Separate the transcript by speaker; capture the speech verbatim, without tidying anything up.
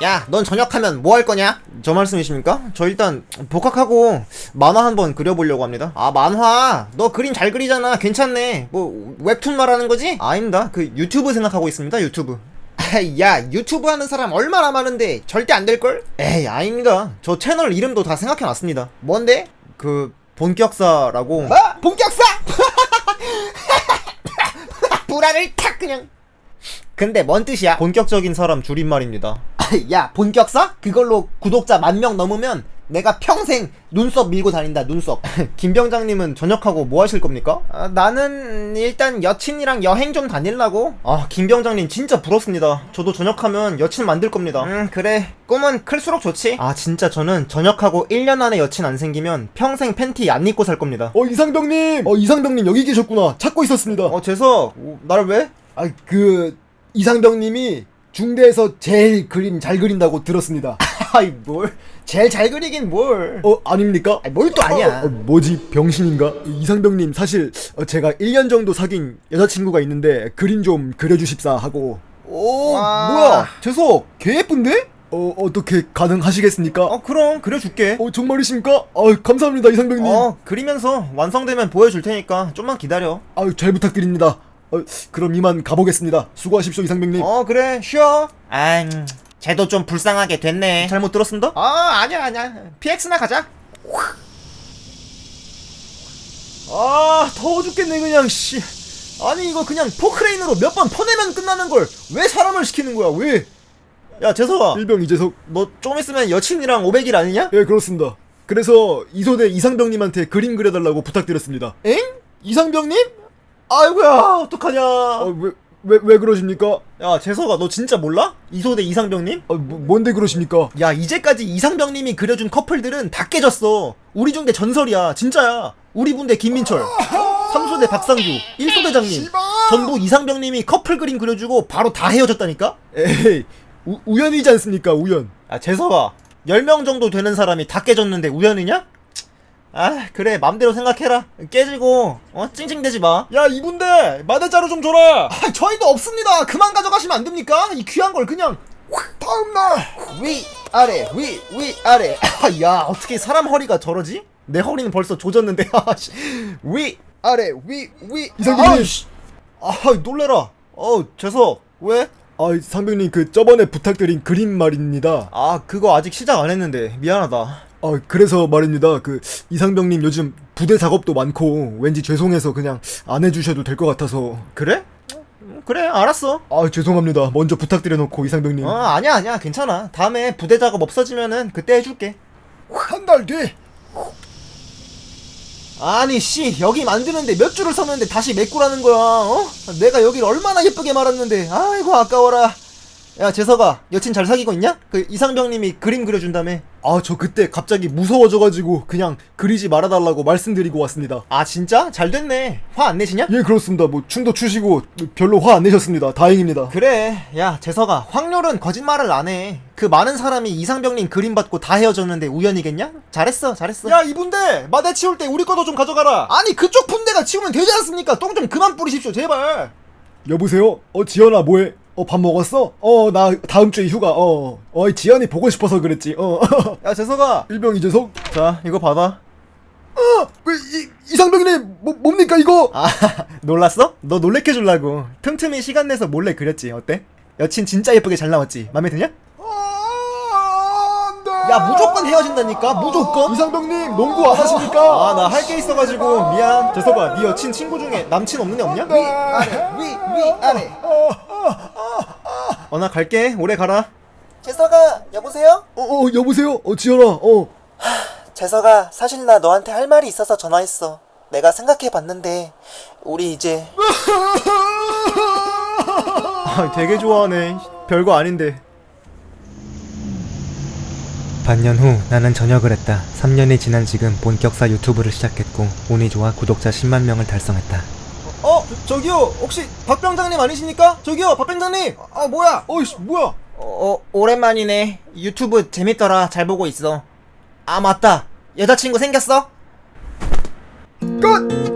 Speaker 1: 야, 넌 전역하면 뭐 할 거냐? 저 말씀이십니까? 저 일단 복학하고 만화 한번 그려보려고 합니다. 아, 만화? 너 그림 잘 그리잖아. 괜찮네. 뭐 웹툰 말하는 거지? 아닙니다. 그 유튜브 생각하고 있습니다. 유튜브. 야, 유튜브 하는 사람 얼마나 많은데 절대 안 될걸? 에이, 아닙니다. 저 채널 이름도 다 생각해놨습니다. 뭔데? 그 본격사라고. 뭐? 본격사? 불안을 탁 그냥. 근데 뭔 뜻이야? 본격적인 사람 줄임말입니다. 야, 본격사? 그걸로 구독자 만 명 넘으면 내가 평생 눈썹 밀고 다닌다. 눈썹. 김 병장님은 전역하고 뭐 하실 겁니까? 아, 나는 일단 여친이랑 여행 좀 다닐라고. 아, 김 병장님 진짜 부럽습니다. 저도 전역하면 여친 만들 겁니다. 음, 그래. 꿈은 클수록 좋지. 아, 진짜 저는 전역하고 일 년 안에 여친 안 생기면 평생 팬티 안 입고 살 겁니다.
Speaker 2: 어, 이상병님! 어, 이상병님 여기 계셨구나. 찾고 있었습니다.
Speaker 1: 어, 재석, 어, 날 왜?
Speaker 2: 아, 그 이상병님이 중대에서 제일 그림 잘 그린다고 들었습니다.
Speaker 1: 아이, 뭘? 제일 잘 그리긴 뭘?
Speaker 2: 어, 아닙니까?
Speaker 1: 아니, 뭘 또 아니야.
Speaker 2: 어, 어, 뭐지? 병신인가? 이상병님 사실 어, 제가 일 년 정도 사귄 여자친구가 있는데 그림 좀 그려주십사 하고. 오,
Speaker 1: 와.
Speaker 2: 뭐야? 재석, 개 예쁜데? 어, 어떻게 가능하시겠습니까?
Speaker 1: 어, 그럼 그려줄게.
Speaker 2: 어, 정말이십니까? 아, 감사합니다, 이상병님.
Speaker 1: 어, 그리면서 완성되면 보여줄 테니까 좀만 기다려.
Speaker 2: 아유, 잘 부탁드립니다. 어, 그럼 이만 가보겠습니다. 수고하십시오, 이상병님.
Speaker 1: 어, 그래, 쉬어. 아, 쟤도 좀 불쌍하게 됐네. 잘못 들었습니다? 아, 아니야, 아니야. 피엑스나 가자.
Speaker 2: 아, 더워 죽겠네, 그냥, 씨. 아니, 이거 그냥 포크레인으로 몇 번 퍼내면 끝나는 걸 왜 사람을 시키는 거야, 왜?
Speaker 1: 야, 재석아.
Speaker 2: 일병 이재석.
Speaker 1: 너 좀 있으면 여친이랑 오백 일 아니냐?
Speaker 2: 예, 그렇습니다. 그래서 이소대 이상병님한테 그림 그려달라고 부탁드렸습니다.
Speaker 1: 엥? 이상병님? 아이고야, 어떡하냐.
Speaker 2: 아, 왜, 왜, 왜 그러십니까?
Speaker 1: 야, 재석아, 너 진짜 몰라? 이소대 이상병님?
Speaker 2: 아, 뭐, 뭔데 그러십니까?
Speaker 1: 야, 이제까지 이상병님이 그려준 커플들은 다 깨졌어. 우리 중대 전설이야. 진짜야. 우리 분대 김민철, 삼소대 박상규, 일소대장님 전부 이상병님이 커플 그림 그려주고 바로 다 헤어졌다니까?
Speaker 2: 에이, 우, 우연이지 않습니까, 우연.
Speaker 1: 아, 재석아, 열 명 정도 되는 사람이 다 깨졌는데 우연이냐? 아, 그래, 맘대로 생각해라. 깨지고 어 찡찡대지 마.
Speaker 2: 야, 이분들 마대자루 좀 줘라.
Speaker 1: 아, 저희도 없습니다. 그만 가져가시면 안 됩니까? 이 귀한 걸 그냥.
Speaker 2: 다음날
Speaker 1: 위 아래 위 위 아래. 아, 야, 어떻게 사람 허리가 저러지? 내 허리는 벌써 조졌는데. 위 아래 위 위.
Speaker 2: 이상병님.
Speaker 1: 아, 놀래라. 어, 재석, 왜?
Speaker 2: 아, 상병님 그 저번에 부탁드린 그림 말입니다.
Speaker 1: 아, 그거 아직 시작 안 했는데 미안하다.
Speaker 2: 아, 그래서 말입니다. 그 이상병님 요즘 부대 작업도 많고 왠지 죄송해서 그냥 안 해주셔도 될 것 같아서.
Speaker 1: 그래? 음, 그래, 알았어.
Speaker 2: 아, 죄송합니다. 먼저 부탁드려놓고 이상병님.
Speaker 1: 어, 아니야, 아니야, 괜찮아. 다음에 부대 작업 없어지면은 그때 해줄게.
Speaker 2: 한 달 뒤.
Speaker 1: 아니, 씨, 여기 만드는데 몇 줄을 썼는데 다시 메꾸라는 거야, 어? 내가 여기를 얼마나 예쁘게 말았는데, 아이고, 아까워라. 야, 재석아, 여친 잘 사귀고 있냐? 그 이상병님이 그림 그려준다며.
Speaker 2: 아, 저 그때 갑자기 무서워져가지고 그냥 그리지 말아달라고 말씀드리고 왔습니다.
Speaker 1: 아, 진짜? 잘 됐네. 화 안 내시냐?
Speaker 2: 예, 그렇습니다. 뭐 춤도 추시고 별로 화 안 내셨습니다. 다행입니다.
Speaker 1: 그래. 야, 재석아, 확률은 거짓말을 안 해. 그 많은 사람이 이상병님 그림 받고 다 헤어졌는데 우연이겠냐? 잘했어, 잘했어.
Speaker 2: 야, 이분들 마대 치울 때 우리 것도 좀 가져가라.
Speaker 1: 아니, 그쪽 분대가 치우면 되지 않습니까? 똥 좀 그만 뿌리십시오, 제발.
Speaker 2: 여보세요? 어, 지연아, 뭐해? 어, 밥 먹었어? 어, 나 다음 주에 휴가. 어, 어, 지연이 보고 싶어서 그랬지. 어.
Speaker 1: 야, 재석아.
Speaker 2: 일병 이재석.
Speaker 1: 자, 이거 받아.
Speaker 2: 어, 왜 이, 이상병님 뭐 뭡니까 이거?
Speaker 1: 아, 놀랐어? 너 놀래켜 주려고 틈틈이 시간 내서 몰래 그렸지. 어때? 여친 진짜 예쁘게 잘 나왔지? 맘에 드냐?
Speaker 2: 아, 안 돼.
Speaker 1: 야, 무조건 헤어진다니까, 무조건.
Speaker 2: 이상병님 농구 안 하십니까?
Speaker 1: 아, 나 할 게 있어가지고 미안. 재석아, 네 여친 친구 중에 남친 없는 애 없냐?
Speaker 2: 위, 아래,
Speaker 1: 위, 위, 아래. 어, 나 갈게. 오래 가라.
Speaker 3: 재석아, 여보세요?
Speaker 2: 어, 어, 여보세요? 어, 지연아, 어.
Speaker 3: 재석아, 사실 나 너한테 할 말이 있어서 전화했어. 내가 생각해봤는데 우리 이제
Speaker 1: 아, 되게 좋아하네. 별거 아닌데.
Speaker 4: 반년 후 나는 전역을 했다. 삼 년이 지난 지금 본격사 유튜브를 시작했고 운이 좋아 구독자 십만 명을 달성했다.
Speaker 1: 어, 저기요, 혹시 박 병장님 아니십니까? 저기요, 박 병장님. 아, 뭐야?
Speaker 2: 어이씨, 뭐야?
Speaker 1: 어, 어, 오랜만이네. 유튜브 재밌더라. 잘 보고 있어. 아, 맞다. 여자친구 생겼어?
Speaker 2: 끝!